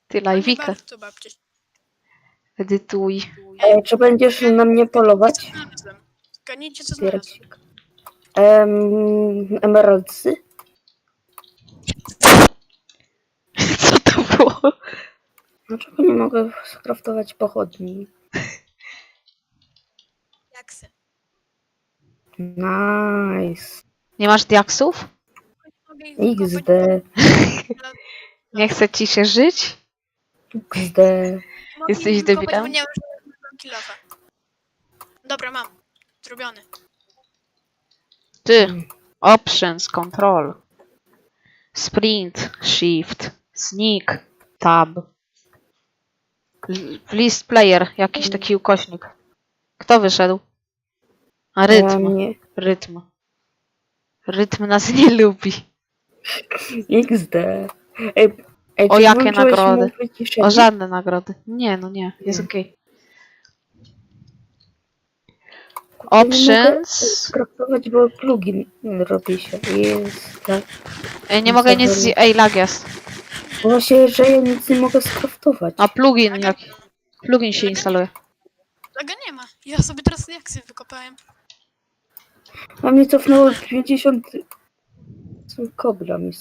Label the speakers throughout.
Speaker 1: Ty
Speaker 2: A nie
Speaker 1: live'ika.
Speaker 2: bardzo, babcie.
Speaker 1: Edytuj.
Speaker 3: Czy będziesz na mnie polować?
Speaker 2: Zgadnijcie, co znalazłem.
Speaker 3: Piercik. Emeraldsy?
Speaker 1: Co to było?
Speaker 3: Dlaczego nie mogę skraftować pochodni?
Speaker 2: Jaksy.
Speaker 3: Nice.
Speaker 1: Nie masz diaksów?
Speaker 2: Mogę ich
Speaker 3: XD.
Speaker 2: wykopać,
Speaker 1: Nie chce ci się żyć?
Speaker 3: XD.
Speaker 2: mogę
Speaker 1: Jesteś
Speaker 2: ich wykopać,
Speaker 1: debilem?
Speaker 2: bo nie mam żadnego kilofa. Dobra, mam. Zrobiony.
Speaker 1: Ty. Options, control. Sprint, shift, sneak, tab. List player, jakiś taki ukośnik. Kto wyszedł? A rytm.
Speaker 3: Nie.
Speaker 1: Rytm. Rytm nas nie lubi.
Speaker 3: XD. Ej,
Speaker 1: O,
Speaker 3: czy
Speaker 1: jakie
Speaker 3: włączyłeś
Speaker 1: nagrody?
Speaker 3: mu wyciszenie?
Speaker 1: O żadne nagrody. Nie, no nie. Jest okej.
Speaker 3: Ja nie mogę
Speaker 1: Options.
Speaker 3: skraftować, bo plugin robi się. Jest tak.
Speaker 1: Ej, nie mogę nic... Ej, lag jest.
Speaker 3: Właśnie, że ja nic nie mogę skraftować.
Speaker 1: A plugin jak... Plugin się instaluje.
Speaker 2: Tego nie ma. Ja sobie teraz jaksy wykopałem.
Speaker 3: A mnie cofnęło 50... Kobra mi.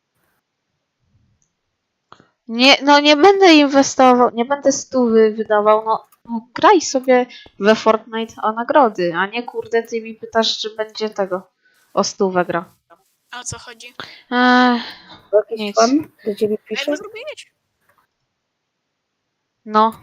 Speaker 1: Nie, no nie będę inwestował, nie będę stówy wydawał, no graj sobie we Fortnite o nagrody, a nie kurde ty mi pytasz, czy będzie tego o stówę gra.
Speaker 2: A o co chodzi?
Speaker 3: Jakiś
Speaker 1: Nic.
Speaker 3: pan do ciebie
Speaker 2: Ej,
Speaker 3: pisze?
Speaker 2: bo zrobiłeś.
Speaker 1: No,